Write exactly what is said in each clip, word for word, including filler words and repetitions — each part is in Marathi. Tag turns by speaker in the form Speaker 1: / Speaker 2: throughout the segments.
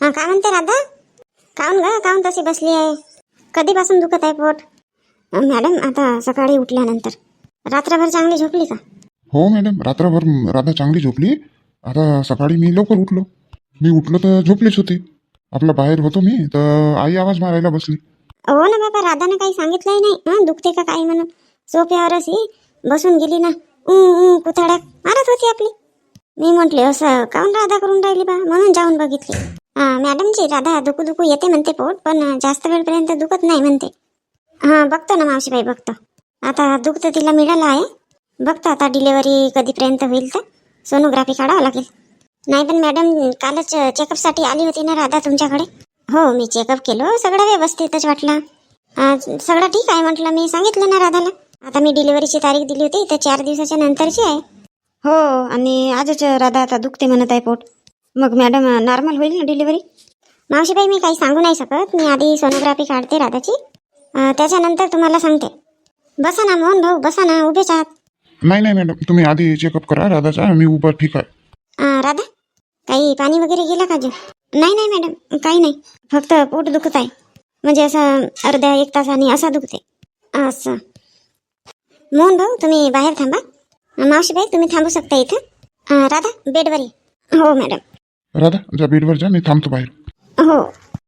Speaker 1: अं, काय म्हणते राधा? काऊन ग काऊन तशी बसली आहे? कधीपासून दुखत आहे पोट? अं, मॅडम आता सकाळी उठल्यानंतर रात्रभर चांगली झोपली का?
Speaker 2: हो मॅडम, रात्रभर राधा चांगली झोपली. आता सकाळी मी लवकर उठलो. मी उठलो तर झोपलीच होती. आपला बाहेर होतो मी तर आई आवाज मारायला बसली.
Speaker 1: हो ना बाबा, राधानं काही सांगितलंही नाही हं, दुखते का काही म्हणून. सोफ्यावरच ही बसून गेली ना, ऊ ऊ कुथाड्या मारत होती आपली. मी म्हटले असं काऊन राधा करून राहिली बा, म्हणून जाऊन बघितली. हां मॅडमजी, राधा दुखू दुखू येते म्हणते पोट, पण जास्त वेळपर्यंत दुखत नाही म्हणते. हां बघतो ना मावशीबाई, बघतो. आता दुःख तर तिला मिळालं आहे. बघतो आता डिलेवरी कधीपर्यंत होईल तर सोनोग्राफी काढावं लागेल. नाही पण मॅडम कालच चेकअपसाठी आली होती ना राधा तुमच्याकडे? हो मी चेकअप केलं, सगळं व्यवस्थितच वाटलं. सगळं ठीक आहे म्हटलं, मी सांगितलं ना राधाला. आता मी डिलिव्हरीची तारीख दिली होती तर चार दिवसाच्या नंतरची आहे. हो आणि आजच राधा आता दुखते म्हणत आहे पोट. मग मॅडम नॉर्मल होईल ना डिलिव्हरी? मावशीबाई मी काही सांगू नाही शकत, मी आधी सोनोग्राफी काढते राधाची, त्याच्यानंतर तुम्हाला सांगते. बसा ना मोहन भाऊ, बसा ना, उभेच आहात.
Speaker 2: नाही नाही मॅडम, तुम्ही आधी चेकअप करा राधाचा, मी उभा ठीक आहे.
Speaker 1: राधा काही पाणी वगैरे गेला का जो? नाही नाही मॅडम काही नाही, फक्त पोट दुखत आहे. म्हणजे असं अर्ध्या एक तासाने असा दुखते असं. मोहन भाऊ तुम्ही बाहेर थांबा. मावशीबाई तुम्ही थांबू शकता इथं. राधा बेडवर ये. हो मॅडम.
Speaker 2: राधा जा बेडवर जा, मी थांबतो बाहेर.
Speaker 1: हो.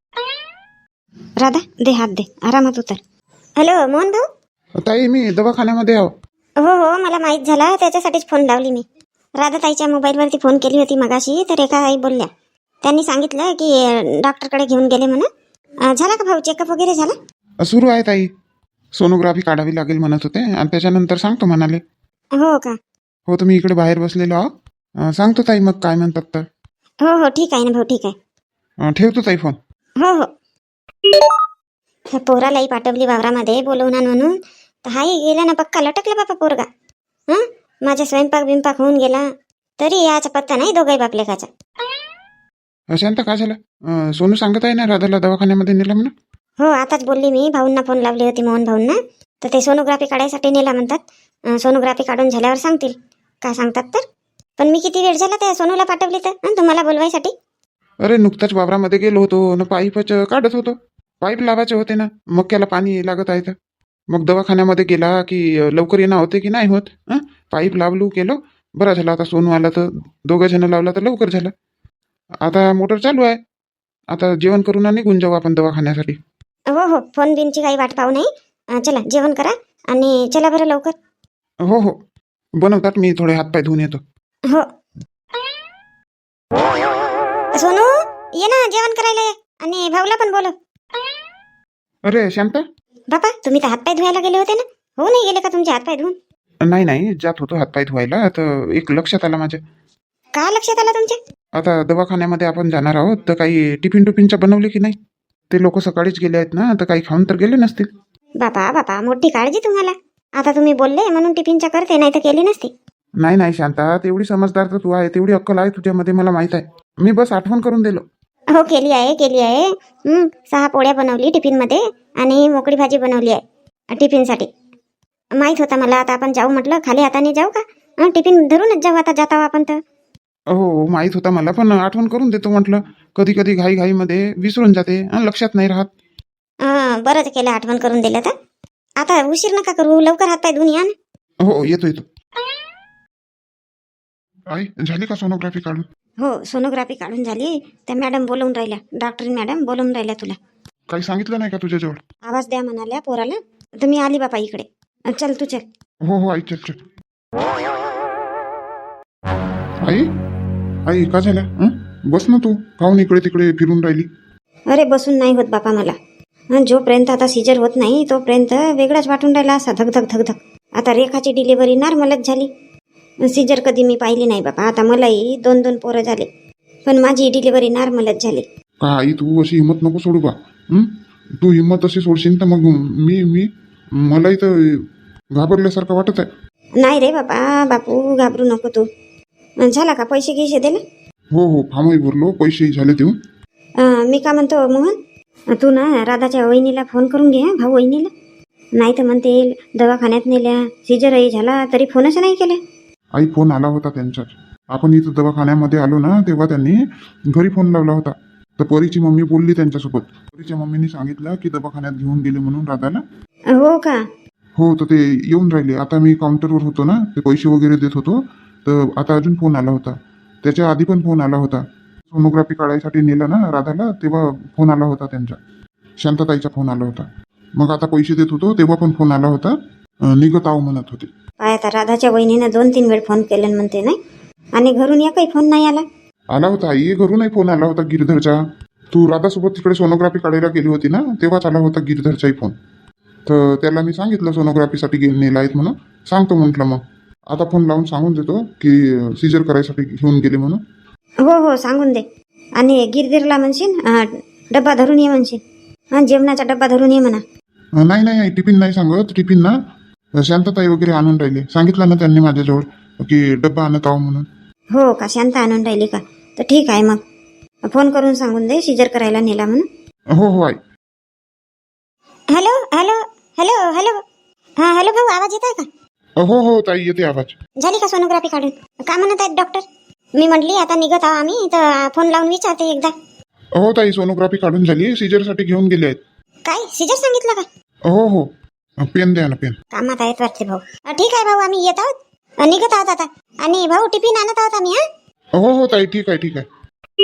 Speaker 1: राधा दे हात दे, आरामात उतर. हॅलो मोहन भाऊ.
Speaker 2: ताई मी दवाखान्यामध्ये आहो.
Speaker 1: हो हो मला माहीत झाला, त्याच्यासाठीच फोन लावली मी. राधा ताईच्या मोबाईलवरती फोन केली होती मगाशी, तर एका आई बोलल्या, त्यांनी सांगितलं की डॉक्टरकडे घेऊन गेले म्हणून. झाला का भाऊ चेकअप वगैरे झाला?
Speaker 2: सुरू आहे ताई, सोनोग्राफी काढावी लागेल म्हणत होते आणि त्याच्यानंतर सांगतो म्हणाले.
Speaker 1: हो का? हो
Speaker 2: तुम्ही इकडे बाहेर बसलेलो आहो, सांगतो ताई मग काय म्हणतात तर.
Speaker 1: हो हो ठीक आहे ना भाऊ, ठीक आहे.
Speaker 2: ठेवतो ताई फोन.
Speaker 1: हो हो. ह्या पोरालाही पाठवली वावरामध्ये बोलवून म्हणून, तर हाही गेला ना पक्का लटकला बापा पोरगा. हं माझा स्वयंपाक बिंपाक होऊन गेला तरी याचा पत्ता नाही दोघाही बापलेकाचा.
Speaker 2: शांत काय झालं? सोनू सांगत आहे ना राधाला दवाखान्यामध्ये नेलं म्हणून.
Speaker 1: हो आताच बोलली मी, भाऊंना फोन लावली होती मोहन भाऊंना, तर ते सोनोग्राफी काढायसाठी नेला म्हणतात. सोनोग्राफी काढून झाल्यावर सांगतील काय सांगतात तर. पण मी किती वेळ झाला त्या सोनूला पाठवली तर तुम्हाला बोलवायसाठी.
Speaker 2: अरे नुकताच वावरामध्ये गेलो होतो ना, पाईपच काढत होतो. पाईप लावायचे होते ना, मक्याला पाणी लागत आहे तर. मग दवाखान्यामध्ये गेला की लवकर येणं होते की नाही होत. पाईप लावलू केलो, बरं झालं. आता सोनू आला तर दोघं जण लावला तर लवकर झालं. आता मोटर चालू आहे, आता जेवण करून निघून जाऊ आपण दवाखान्यासाठी.
Speaker 1: हो हो फोन बिनची काही वाट पाहू नाही. चला जेवण करा आणि चला बरं लवकर.
Speaker 2: हो हो बनवतात, मी थोडे हातपाय धुवून येतो.
Speaker 1: हो. सोनू ये ना जेवण करायला ये, आणि भाऊला पण बोलव.
Speaker 2: अरे शांता
Speaker 1: बापा तुम्ही तर हातपाय धुवायला गेले होते ना, हो नाही गेले का तुमचे हातपाय धुवून?
Speaker 2: नाही नाही जात होतो हातपाय धुवायला, तर एक लक्षात आलं माझ्या.
Speaker 1: का लक्षात आलं तुमच्या?
Speaker 2: आता दवाखान्यामध्ये आपण जाणार आहोत तर काही टिफिन टुफिनच्या बनवले की नाही? ते लोक सकाळीच गेले आहेत ना, तर काही खाऊन तर गेले नसतील.
Speaker 1: बापा बापा मोठी काळजी तुम्हाला. आता तुम्ही बोलले म्हणून टिफिनच्या करते, नाही तर केली नसती.
Speaker 2: नाही नाही शांता, तेवढी समजदार तर तू आहे, तेवढी अक्कल आहे तुझ्यामध्ये मला माहित आहे. मी बस आठवण करून दिलो.
Speaker 1: हो केली आहे केली आहे. हं, सहा पोळ्या बनवली टिफिनमध्ये आणि मोकळी भाजी बनवली आहे टिफिनसाठी. माहीत होता मला. आता आपण जाऊ म्हटलं, खाली हाताने जाऊ का? टिफिन धरूनच जाऊ आता जाता आपण तर.
Speaker 2: हो माहीत होता मला, पण आठवण करून देतो म्हटलं. कधी कधी घाई घाईमध्ये विसरून जाते, लक्षात नाही राहत.
Speaker 1: हां बरंच केलं आठवण करून दिलं तर. आता उशीर नका करू, लवकर हातपाय धुवून या ना.
Speaker 2: हो येतो येतो. आई झाली का सोनोग्राफी काढून?
Speaker 1: हो सोनोग्राफी काढून झाली. त्या मॅडम बोलवून राहिल्या, डॉक्टर मॅडम बोलवून राहिल्या तुला.
Speaker 2: काही सांगितलं नाही का तुझ्याजवळ?
Speaker 1: आवाज द्या म्हणाल्या पोराला. तुम्ही आली बापा इकडे. चल तू चल.
Speaker 2: हो हो आई चल चल. आई आई का झालं? हं? बस ना तू, काहून इकडे तिकडे फिरून राहिली?
Speaker 1: अरे बसून नाही होत बापा मला. जोपर्यंत आता सिजर होत नाही तोपर्यंत वेगळाच वाटून राहिला, असा धक धक धक धक. आता रेखाची डिलिव्हरी नॉर्मलच झाली. सिजर कधी मी पाहिली नाही बापा. आता मलाही दोन दोन पोरं झाले, पण माझी डिलिव्हरी नॉर्मलच झाली.
Speaker 2: का आई तू अशी हिंमत नको सोडू बा. तू हिंमत अशी सोडशील तर मग मी मी मलाही तर घाबरल्यासारखं वाटत आहे.
Speaker 1: नाही रे बापा, बापू घाबरू नको तू. झाला का पैसे गिसे दिले?
Speaker 2: हो हो फॉर्मही भरलो, पैसेही झाले देऊन.
Speaker 1: मी का म्हणतो मोहन, तू ना राधाच्या वहिनीला फोन करून घे, भाऊ वहिनीला. नाही तर म्हणते दवाखान्यात नेल्या, सिजरही झाला तरी फोनच नाही केले.
Speaker 2: आई फोन आला होता त्यांच्याच. आपण इथं दवाखान्यामध्ये आलो ना, तेव्हा त्यांनी घरी फोन लावला होता, तर परीची मम्मी बोलली त्यांच्यासोबत. परीच्या मम्मीने सांगितलं की दवाखान्यात घेऊन गेले म्हणून राधाला.
Speaker 1: हो का?
Speaker 2: हो, तर ते येऊन राहिले. आता मी काउंटरवर होतो ना, ते पैसे वगैरे देत होतो, तर आता अजून फोन आला होता. त्याच्या आधी पण फोन आला होता. सोनोग्राफी काढायसाठी नेलं ना राधाला, तेव्हा फोन आला होता त्यांचा. शांताताईचा फोन आला होता. मग आता पैसे देत होतो तेव्हा पण फोन आला होता. अं, निघत आहो म्हणत होते.
Speaker 1: काय आता राधाच्या वहिनीनं दोन तीन वेळ फोन केले म्हणते नाही, आणि घरून एकही फोन नाही आला.
Speaker 2: आला होता आई, घरूनही फोन आला होता गिरधरचा. तू राधासोबत तिकडे सोनोग्राफी काढायला गेली होती ना, तेव्हाच आला होता गिरधरचाही फोन. तर त्याला मी सांगितलं सोनोग्राफीसाठी घेऊन नेला आहेत म्हणून. सांगतो म्हटलं. मग आता फोन लावून सांगून देतो की सीजर करायसाठी घेऊन गेले म्हणून.
Speaker 1: हो हो सांगून दे. आणि गिरगिरला म्हणशील अं, डब्बा धरून ये म्हणशील. हां, जेवणाचा डब्बा धरून ये म्हणा.
Speaker 2: अं, नाही नाही आई, टिफिन नाही सांगत. टिफिन ना शांतताई वगैरे आणून राहिले. सांगितलं ना त्यांनी माझ्याजवळ की डब्बा आणत आहो म्हणून.
Speaker 1: हो का? शांत आणून राहिली का? तर ठीक आहे, मग फोन करून सांगून दे सीजर करायला नेला म्हणून.
Speaker 2: हो हो आई.
Speaker 1: हॅलो हॅलो हॅलो हॅलो हां हॅलो भाऊ, आवाज येत आहे का?
Speaker 2: हो हो ताई, येते आवाज.
Speaker 1: झाली का सोनोग्राफी काढून? का म्हणत आहेत डॉक्टर? मी म्हटली आता निघत आहो आम्ही, तर फोन लावून विचारते एकदा.
Speaker 2: हो ताई, सोनोग्राफी काढून झाली. सीजरसाठी घेऊन गेले आहेत.
Speaker 1: काय सीजर सांगितलं का?
Speaker 2: हो हो. पेन द्या ना, पेन.
Speaker 1: कामात आहेत वाटते भाऊ. अं, ठीक आहे भाऊ, आम्ही येत आहोत, अं, निघत आहोत आता. आणि भाऊ टिफिन आणत आहोत आम्ही. हां
Speaker 2: हो हो ताई, ठीक आहे ठीक आहे.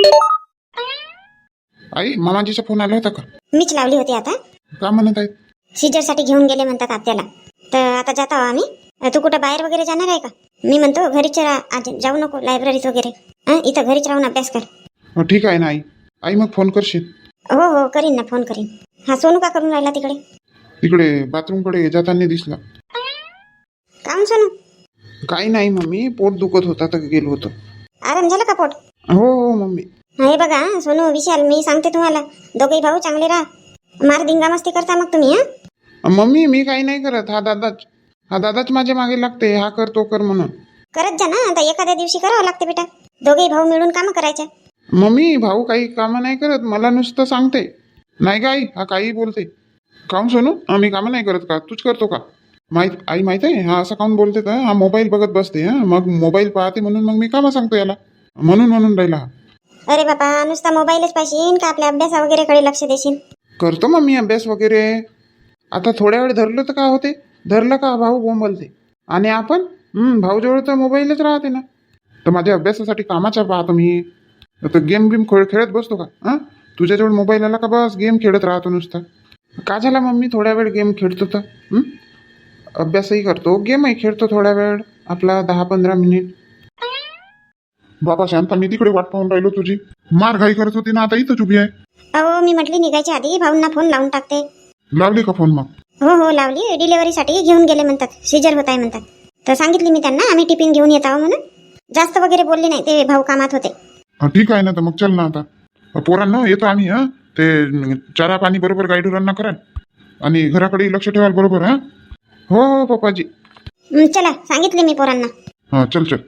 Speaker 2: आई, मामाजीचा फोन आला होता का?
Speaker 1: मीच लावली होती. आता
Speaker 2: का म्हणत आहेत?
Speaker 1: सीजरसाठी घेऊन गेले म्हणतात आत्याला. तर आता जात आहो आम्ही. अं, तू कुठं बाहेर वगैरे जाणार आहे का? मी म्हणतो घरीच रा- आज जाऊ नको लायब्ररीत वगैरे. हां, इथं घरीच राहून अभ्यास कर.
Speaker 2: हो, ठीक आहे ना आई. आई मग फोन करशील?
Speaker 1: हो हो करीन ना, फोन करीन. हा, सोनू का करून राहिला तिकडे?
Speaker 2: तिकडे बाथरूमकडे जाताना दिसला.
Speaker 1: काम सोनू?
Speaker 2: काही नाही मम्मी, पोट दुखत होता तर गेलो होतो.
Speaker 1: आराम झाला का पोट?
Speaker 2: हो हो मम्मी.
Speaker 1: हे बघा सोनू, विशाल, मी सांगते तुम्हाला, दोघेही भाऊ चांगले राहा. मार धिंगा मस्ती करता मग तुम्ही. हां
Speaker 2: मम्मी, मी काही नाही करत. हा दादाच हा दादाच माझ्या मागे लागते, हा कर तो कर म्हणून.
Speaker 1: करत जा ना, आता एखाद्या दिवशी करावं लागते बेटा. दोघेही भाऊ मिळून कामं करायच्या.
Speaker 2: मम्मी, भाऊ काही कामं नाही करत, मला नुसतं सांगते. नाही का आई, हा काही बोलते. काऊन सोनू, आम्ही कामं नाही करत का? तूच करतो का? माहित आई, माहित आहे हा असं काऊन बोलते का? हा मोबाईल बघत बसते. हा, मग मोबाईल पाहते म्हणून मग मी कामं सांगतो याला, म्हणून म्हणून राहिला हा.
Speaker 1: अरे बाबा, नुसता मोबाईलच पाहिजे का आपल्या अभ्यासा वगैरेकडे लक्ष देशील?
Speaker 2: करतो मम्मी अभ्यास वगैरे. आता थोड्या वेळ धरलं तर काय होते? धरलं का भाऊ बोंबलते. आणि आपण हम्म भाऊजवळ तर मोबाईलच राहते ना. तर माझ्या अभ्यासासाठी कामाचा पाहतो मी. तर गेम गेम खेळ खेळत बसतो का? हां, तुझ्याजवळ मोबाईल आला का बस गेम खेळत राहतो नुसता. का झाला मम्मी, थोड्या वेळ गेम खेळतो तर हं? अभ्यासही करतो, गेमही खेळतो थोड्या वेळ, आपला दहा पंधरा मिनिट. बाबा शांता, मी तिकडे वाट पाहून राहिलो तुझी. मार घाई करत होती ना, आता इथंच उभी आहे.
Speaker 1: अहो, मी म्हटली निघायच्या आधी भाऊंना फोन लावून टाकते.
Speaker 2: लावली का फोन मग?
Speaker 1: हो हो लावली. डिलिव्हरीसाठी घेऊन गेले म्हणतात, सीजर होत आहे म्हणतात. तर सांगितली मी त्यांना आम्ही टिफिन घेऊन येत आहो म्हणून. जास्त वगैरे बोलले नाही, ते भाऊ कामात होते.
Speaker 2: हा, ठीक आहे ना. तर मग चल ना आता पोरांना येतो आम्ही. हां, ते चारा पाणी बरोबर गाईडुरांना कराल आणि घराकडे लक्ष ठेवाल बरोबर. हां हो हो पप्पाजी.
Speaker 1: हं, चला, सांगितले मी पोरांना.
Speaker 2: हां, चल चल.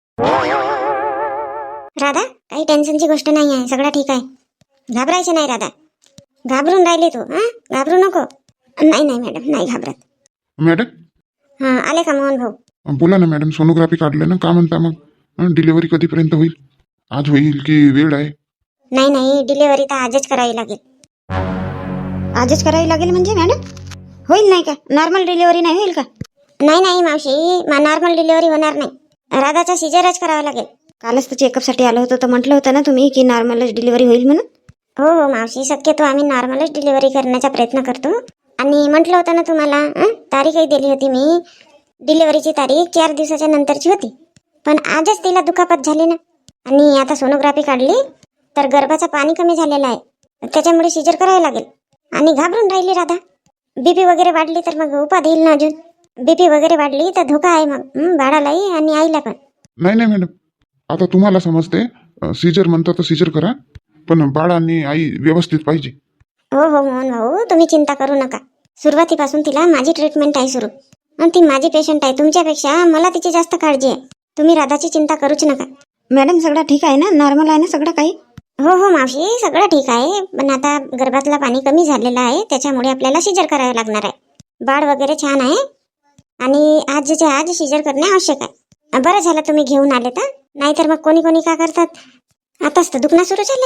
Speaker 1: राधा, काही टेन्शनची गोष्ट नाही आहे, सगळं ठीक आहे. घाबरायचं नाही राधा. घाबरून राहिले तू. हां, घाबरू नको. नाही नाही मॅडम, नाही घाबरत.
Speaker 2: मॅडम,
Speaker 1: हां, आले का मोहन भाऊ?
Speaker 2: बोला ना मॅडम. सोनोग्राफी काढलं ना, का म्हणता मग? डिलिव्हरी कधीपर्यंत होईल? आज होईल की वेळ आहे?
Speaker 1: नाही नाही, डिलिव्हरी तर आजच करावी लागेल. आजच करावी लागेल म्हणजे मॅडम? होईल नाही का? नॉर्मल डिलिव्हरी नाही होईल का? नाही नाही मावशी, नॉर्मल डिलिव्हरी होणार नाही. राधाचा सिजरच करावा लागेल. कालच तर चेकअपसाठी आलो होतो, तर म्हटलं होतं ना तुम्ही की नॉर्मलच डिलिव्हरी होईल म्हणून. हो हो मावशी, शक्यतो आम्ही नॉर्मलच डिलिव्हरी करण्याचा प्रयत्न करतो. आणि म्हटलं होतं ना तुम्हाला, अं? तारीखही दिली होती मी. डिलिव्हरीची तारीख चार दिवसाच्या नंतरची होती, पण आजच तिला दुखापत झाली ना. आणि आता सोनोग्राफी काढली तर गर्भाचं पाणी कमी झालेलं आहे, त्याच्यामुळे सिजर करावं लागेल. आणि घाबरून राहिली राधा. बीपी वगैरे वाढली तर मग उपाध येईल ना अजून. बीपी वगैरे वाढली तर धोका आहे मग, हं, बाळालाही आणि आईला पण.
Speaker 2: नाही नाही मॅडम, आता तुम्हाला समजते. सीजर म्हणतात तर सीजर करा, पण बाळ आणि आई व्यवस्थित पाहिजे.
Speaker 1: हो हो मोहन भाऊ, तुम्ही चिंता करू नका. सुरुवातीपासून तिला माझी ट्रीटमेंट आहे सुरू, आणि ती माझी पेशंट आहे. तुमच्यापेक्षा मला तिची जास्त काळजी आहे. तुम्ही राधाची चिंता करूच नका. मॅडम, सगळं ठीक आहे ना? नॉर्मल आहे ना सगळं काही? हो हो मावशी, सगळं ठीक आहे. पण आता गर्भातला पाणी कमी झालेलं आहे, त्याच्यामुळे आपल्याला सिजर करावं लागणार आहे. बाळ वगैरे छान आहे आणि आजच्या आज सिजर करणे आवश्यक आहे. बरं झालं तुम्ही घेऊन आले तर, नाहीतर मग कोणी कोणी का करतात, आताच तर दुखणं सुरू झालं आहे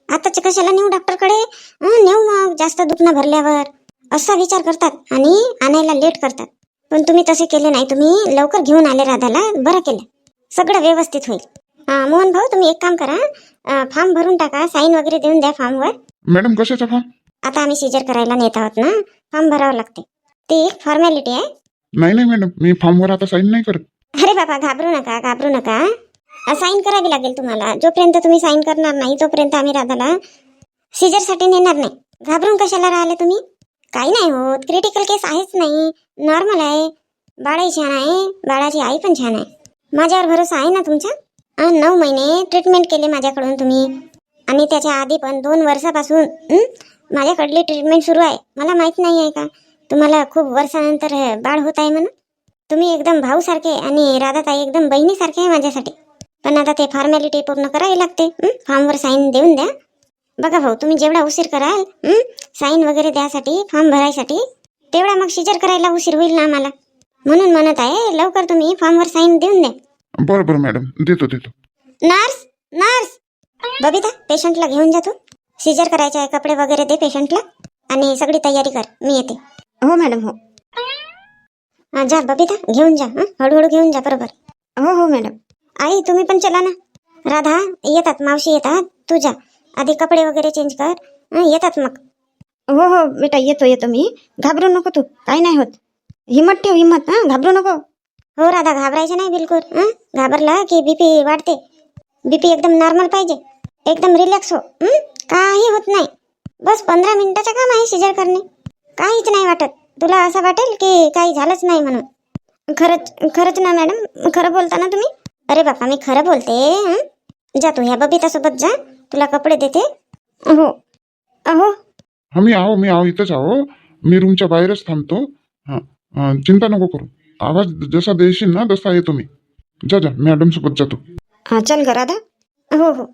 Speaker 1: आताच कशाला नेऊ डॉक्टरकडे, हं, नेऊ मग जास्त दुखणं भरल्यावर, असा विचार करतात आणि आणायला लेट करतात. पण तुम्ही तसे केले नाही, तुम्ही लवकर घेऊन आले राधाला, बरं केलं. सगळं व्यवस्थित होईल. अं, मोहन भाऊ तुम्ही एक काम करा, फॉर्म भरून टाका, साईन वगैरे देऊन द्या फॉर्मवर.
Speaker 2: मॅडम कशाचा फॉर्म?
Speaker 1: आता आम्ही सीजर करायला नेत आहोत ना, फॉर्म भरावं लागते, ती एक फॉर्मॅलिटी आहे.
Speaker 2: नाही नाही मॅडम, मी फॉर्मवर आता साईन नाही करत.
Speaker 1: अरे बाबा घाबरू नका, घाबरू नका. साईन करावी लागेल तुम्हाला. जोपर्यंत तुम्ही साईन करणार नाही तोपर्यंत आम्ही राधाला सीजरसाठी नेणार नाही. घाबरून कशाला राहिले तुम्ही? काही नाही होत, क्रिटिकल केस आहेच नाही, नॉर्मल आहे. बाळही छान आहे, बाळाची आई पण छान आहे. माझ्यावर भरोसा आहे ना तुमचा? अं, नऊ महिने ट्रीटमेंट केले माझ्याकडून तुम्ही, आणि त्याच्या आधी पण दोन वर्षापासून हं, माझ्याकडली ट्रीटमेंट सुरू आहे. मला माहित नाही आहे का तुम्हाला खूप वर्षानंतर बाळ होत आहे म्हणून? तुम्ही एकदम भाऊसारखे आणि राधाताई एकदम बहिणीसारखे आहे माझ्यासाठी. पण आता ते फॉर्मॅलिटी पूर्ण करावी लागते. फॉर्मवर साईन देऊन द्या. बघा भाऊ, तुम्ही जेवढा उशीर कराल साईन वगैरे द्यासाठी, फॉर्म भरायसाठी, तेवढा मग सीजर करायला उशीर होईल ना आम्हाला. म्हणून म्हणत आहे लवकर तुम्ही फॉर्मवर साईन देऊन द्या.
Speaker 2: बरं बरं मॅडम, देतो देतो.
Speaker 1: नर्स, नर्स, बबिता पेशंटला घेऊन जा तू. सीजर करायचे आहे, कपडे वगैरे दे पेशंटला आणि सगळी तयारी कर, मी येते. हो मॅडम, हो. हा, जा बबिता घेऊन जा, हं? हळूहळू घेऊन जा, बरोबर. हो हो मॅडम. आई तुम्ही पण चला ना. राधा येतात, मावशी येतात, तू जा आधी, कपडे वगैरे चेंज कर, हं, येतात मग. हो हो बेटा, येतो येतो मी. घाबरू नको तू, काही नाही होत. हिम्मत ठेव, हिम्मत. हां, घाबरू नको. हो राधा, घाबरायचं नाही बिलकुल. हं, घाबरला की बीपी वाढते. बीपी एकदम नॉर्मल पाहिजे, एकदम रिलॅक्स हो. हं, काही होत नाही. बस पंधरा मिनिटाचं काम आहे सीजर करणे. काहीच नाही वाटत. तुला असं वाटेल की काही झालंच नाही म्हणून. खरंच खरंच ना मॅडम, खरं बोलता ना तुम्ही? अरे बापा, मी खरं बोलते. हं, जा तू ह्या बबितासोबत जा, तुला कपडे देते. हो अहो.
Speaker 2: हा, मी आहो मी आहो इथंच आहो. मी रूमच्या बाहेरच थांबतो. हां हां, चिंता नको करू. आवाज जसा देशील ना तसा येतो मी. जा जा, मॅडम सोबत जातो.
Speaker 1: हां, चल ग राधा. हो हो.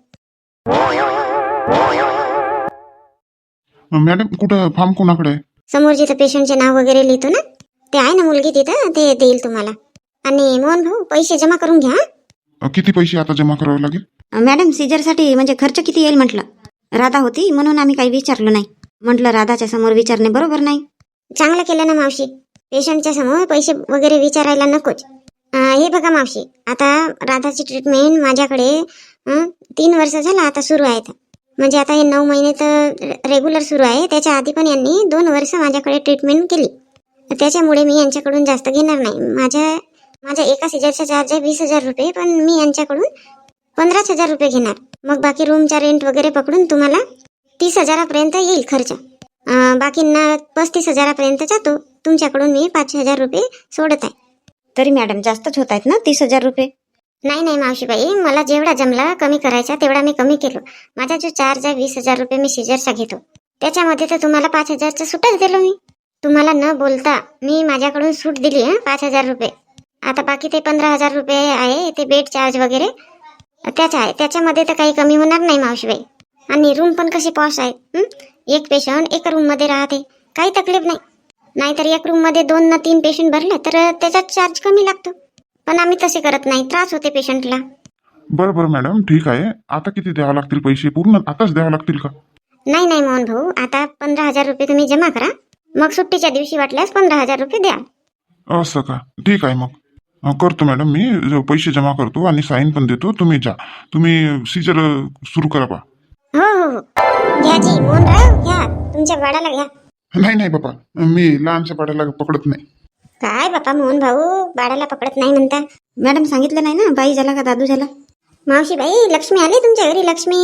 Speaker 2: मॅडम कुठं फॉर्म कोणाकडे आहे?
Speaker 1: समोर जिथं पेशंटचे नाव वगैरे लिहितो ना, ते आहे ना मुलगी तिथं, ते देईल तुम्हाला. आणि मोहन भाऊ पैसे जमा करून घ्या.
Speaker 2: अ, किती पैसे आता जमा करावे लागेल?
Speaker 1: मॅडम सीजरसाठी म्हणजे खर्च किती येईल म्हटलं. राधा होती म्हणून आम्ही काही विचारलं नाही. म्हटलं राधाच्या समोर विचारणे बरोबर नाही. चांगलं केलं ना मावशी, पेशंटच्या समोर पैसे वगैरे विचारायला नकोच. अं, हे बघा मावशी, आता राधाची ट्रीटमेंट माझ्याकडे अं, तीन वर्ष झालं आता सुरू आहे. म्हणजे आता हे नऊ महिने तर रेग्युलर सुरू आहे. त्याच्या आधी पण यांनी दोन वर्ष माझ्याकडे ट्रीटमेंट केली. त्याच्यामुळे मी यांच्याकडून जास्त घेणार नाही. माझ्या माझ्या एका सीजरचा चार्ज आहे वीस हजार रुपये, पण मी यांच्याकडून पंधराच हजार रुपये घेणार. मग बाकी रूमचा रेंट वगैरे पकडून तुम्हाला तीस हजारापर्यंत येईल खर्च. अं, बाकींना पस्तीस हजारापर्यंत जातो. तुमच्याकडून मी पाच हजार रुपये सोडत आहे. तरी मॅडम जास्तच होत आहेत ना तीस हजार रुपये? नाही नाही मावशीबाई, मला जेवढा जमला कमी करायचा तेवढा मी कमी केलो. माझा जो चार्ज आहे वीस हजार रुपये मी सीजरचा घेतो, त्याच्यामध्ये तर तुम्हाला पाच हजारचा सूटच दिलो मी. तुम्हाला न बोलता मी माझ्याकडून सूट दिली हं, पाच हजार रुपये. आता बाकी ते पंधरा हजार रुपये आहे ते बेड चार्ज वगैरे त्याचा आहे, त्याच्यामध्ये तर काही कमी होणार नाही मावशीबाई. आणि रूम पण कशी पॉश आहे. हं? एक पेशंट एका रूममध्ये राहते, काही तकलीफ नाही. नाहीतर एक रूममध्ये दोन ना तीन पेशंट भरले तर त्याचा चार्ज कमी लागतो. पण आम्ही तसे करत नाही, त्रास होते पेशंटला.
Speaker 2: बरं बरं मॅडम, ठीक आहे. आता किती द्यावं लागतील पैसे? पूर्ण आताच द्यावं लागतील का?
Speaker 1: नाही नाही मोहन भाऊ, आता पंधरा हजार रुपये तुम्ही जमा करा, मग सुट्टीच्या दिवशी वाटल्यास पंधरा हजार रुपये द्या.
Speaker 2: असं का? ठीक आहे, मग अं, करतो मॅडम. मी ज- पैसे जमा करतो आणि साईन पण देतो. तुम्ही जा, तुम्ही सीजर सुरू करा पा.
Speaker 1: हो हो हो, घ्या जी मोहनराव, घ्या तुमच्या बाळाला घ्या.
Speaker 2: नाही नाही बाबा, मी लहानशा पाड्याला पकडत नाही.
Speaker 1: काय बापा मोहन भाऊ, बाळाला पकडत नाही म्हणता? मॅडम सांगितलं नाही ना, बाई झाला का दादू झाला? मावशी बाई, लक्ष्मी आली तुमच्या घरी, लक्ष्मी.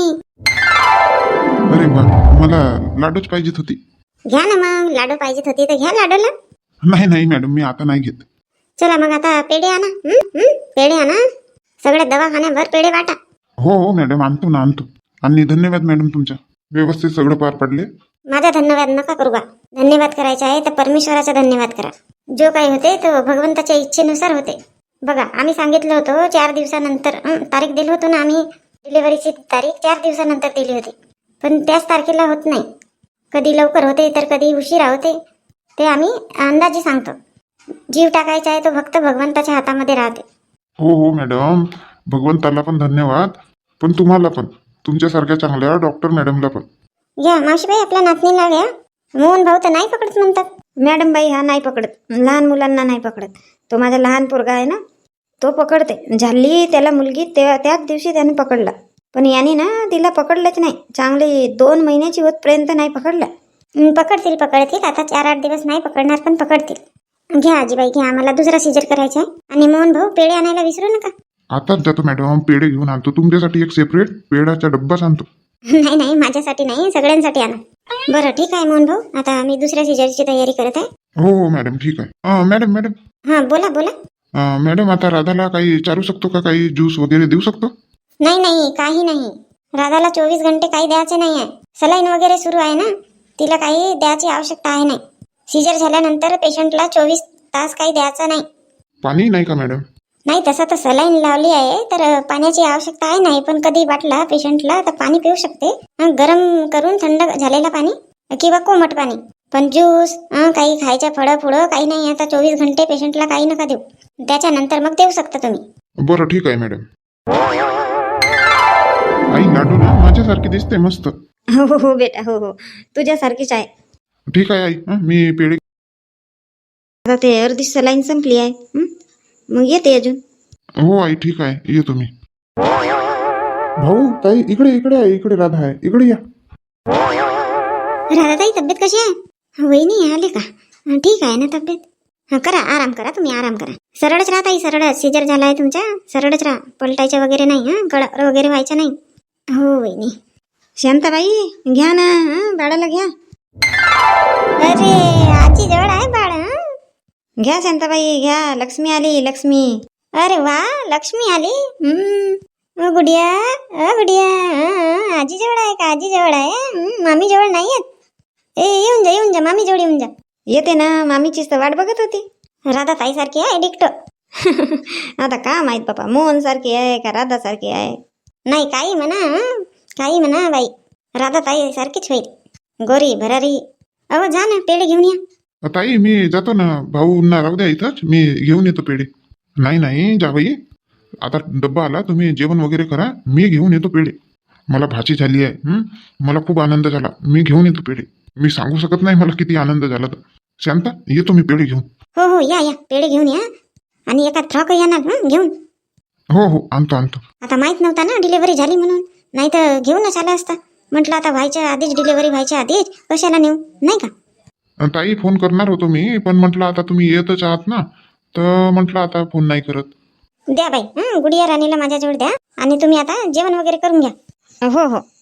Speaker 2: अरे बा, मला लाडूच पाहिजेत होती.
Speaker 1: घ्या ना मग, लाडू पाहिजेत होती तर घ्या लाडूला.
Speaker 2: नाही नाही मॅडम, मी आता नाही घेत.
Speaker 1: चला मग आता पेढे आणा. हं? हं? पेढे आणा, सगळ्या दवाखान्याभर पेढे वाटा.
Speaker 2: हो हो मॅडम, आणतो ना आणतो. आणि धन्यवाद मॅडम, तुमच्या व्यवस्थित सगळं पार पडले.
Speaker 1: माझा धन्यवाद नका करू बा. धन्यवाद करायचा आहे तर परमेश्वराचा धन्यवाद करा. जो काही होते तो भगवंताच्या इच्छेनुसार होते. बघा, आम्ही सांगितलं होतं चार दिवसानंतर, हं, तारीख दिली होतो ना आम्ही, डिलिव्हरीची तारीख चार दिवसानंतर दिली होती, पण त्याच तारखेला होत नाही. कधी लवकर होते तर कधी उशिरा होते, ते आम्ही अंदाजे सांगतो. जीव टाकायचा आहे तो फक्त भगवंताच्या हातामध्ये राहते.
Speaker 2: हो हो मॅडम, भगवंताला पण धन्यवाद, पण तुम्हाला पण. तुमच्यासारख्या चांगल्या डॉक्टर मॅडमला पण.
Speaker 1: घ्या मावशीबाई आपल्या नातनीला घ्या. मोहन भाऊ तर नाही पकडत म्हणतात. मॅडम बाई हा नाही पकडत, लहान मुलांना नाही पकडत. तो माझा लहान पोरगा आहे ना, तो पकडते. झाली त्याला मुलगी तेव्हा त्याच दिवशी त्याने पकडला. पण याने ना तिला पकडलंच नाही. चांगली दोन महिन्याची होतपर्यंत नाही पकडलं. हं, पकडतील पकडतील आता चार आठ दिवस नाही पकडणार पण पकडतील. घ्या आजीबाई घ्या, आम्हाला दुसरा सीजर करायचा आहे. आणि मोहन भाऊ पेढे आणायला विसरू नका.
Speaker 2: आताच जातो मॅडम, पेढे घेऊन आणतो. तुमच्यासाठी एक सेपरेट पेढाचा डब्बाच आणतो.
Speaker 1: नाही नाही माझ्यासाठी नाही, सगळ्यांसाठी आणा. बरं ठीक आहे मोहन भाऊ, आता मी दुसऱ्या सीजरची तयारी करत आहे.
Speaker 2: हो हो मॅडम ठीक आहे. अं, मॅडम मॅडम
Speaker 1: हां बोला बोला.
Speaker 2: अं, मॅडम आता राधाला काही चारू शकतो का, काही ज्यूस वगैरे देऊ शकतो?
Speaker 1: नाही नाही काही नाही. राधाला चोवीस घंटे काही द्यायचे नाही आहे. सलाईन वगैरे सुरू आहे ना, तिला काही द्यायची आवश्यकता आहे नाही. सीजर झाल्यानंतर पेशंटला चोवीस तास काही द्यायचं नाही.
Speaker 2: पाणी नाही का मॅडम?
Speaker 1: नाही तसं तर सलाईन लावली आहे तर पाण्याची आवश्यकता आहे नाही, पण कधी वाटला पेशंटला तर पाणी पिऊ शकते. हं, गरम करून थंड झालेला पाणी किंवा कोमट पाणी. पण ज्यूस हं, काही खायच्या फळं फुळं काही नाही. आता चोवीस घंटे पेशंटला काही नका देऊ, त्याच्यानंतर मग देऊ शकता तुम्ही.
Speaker 2: बरं ठीक आहे मॅडम. आई लाडू ना माझ्यासारखी दिसते मस्त.
Speaker 3: हो हो हो बेटा, हो हो तुझ्यासारखीच आहे.
Speaker 2: ठीक आहे आई, हं, मी पेढे.
Speaker 3: आता ते अर्धी सलाईन संपली आहे. हं? मग येते अजून.
Speaker 2: हो आई ठीक आहे, येतो मी. भाऊ ताई इकडे इकडे आहे, इकडे राधा आहे, इकडे या.
Speaker 1: राधाताई तब्येत कशी आहे? वहिनी आले का? हं, ठीक आहे ना तब्येत? हां करा आराम करा, तुम्ही आराम करा. सरळच राहा ताई, सरळच. सीजर झाला आहे तुमच्या, सरळच राहा. पलटायचं वगैरे नाही. हां गळा वगैरे व्हायचं नाही. हो वहिनी.
Speaker 3: शांताबाई घ्या ना, हं? बाळाला घ्या.
Speaker 1: अरे आजी जवळ आहे बाळ. हं?
Speaker 3: घ्या शांताबाई घ्या. लक्ष्मी आली, लक्ष्मी.
Speaker 1: अरे वा लक्ष्मी आली. हम्म. अ गुडिया, अ गुडिया. हं, आजी जवळ आहे का? आजी जवळ आहे. हं, मामी जवळ नाही आहेत. ए येऊन जा येऊन जा, मामी जवळ येऊन जा.
Speaker 3: येते ना, मामीचीच तर वाट बघत होती.
Speaker 1: राधा ताई सारखी आहे डिक्टो.
Speaker 3: आता का माहित बाबा, मोहन सारखी आहे का राधा सारखी आहे.
Speaker 1: नाही काही म्हणा, हं? काही म्हणा बाई, राधा ताई सारखीच होईल. गोरी भरारी. अहो जा ना पेढे घेऊन या.
Speaker 2: ताई मी जातो ना, भाऊंना राहू द्या इथंच, मी घेऊन येतो पेढे. नाही नाही जाबाई, आता डब्बा आला, तुम्ही जेवण वगैरे करा, मी घेऊन येतो पेढे. मला भाची झाली आहे. हं? मला खूप आनंद झाला, मी घेऊन येतो पेढे. मी सांगू शकत नाही मला किती आनंद झाला तर. शांता येतो मी पेढे घेऊन.
Speaker 1: हो हो या या पेढे घेऊन या. आणि एका फ्रॉक या ना हं, घेऊन.
Speaker 2: हो हो आणतो आणतो.
Speaker 1: आता माहित नव्हता ना डिलिव्हरी झाली म्हणून, नाही तर घेऊनच आला असता. म्हटलं आता व्हायच्या आधीच, डिलिव्हरी व्हायच्या आधीच कशाला नेऊ, नाही का?
Speaker 2: ताई फोन करणार होतो मी, पण म्हटलं आता तुम्ही येतच आहात ना, तर म्हटलं आता फोन नाही करत.
Speaker 1: द्या बाई, हं, गुडिया राणीला माझ्याजवळ द्या. आणि तुम्ही आता जेवण वगैरे करून घ्या.
Speaker 3: हो हो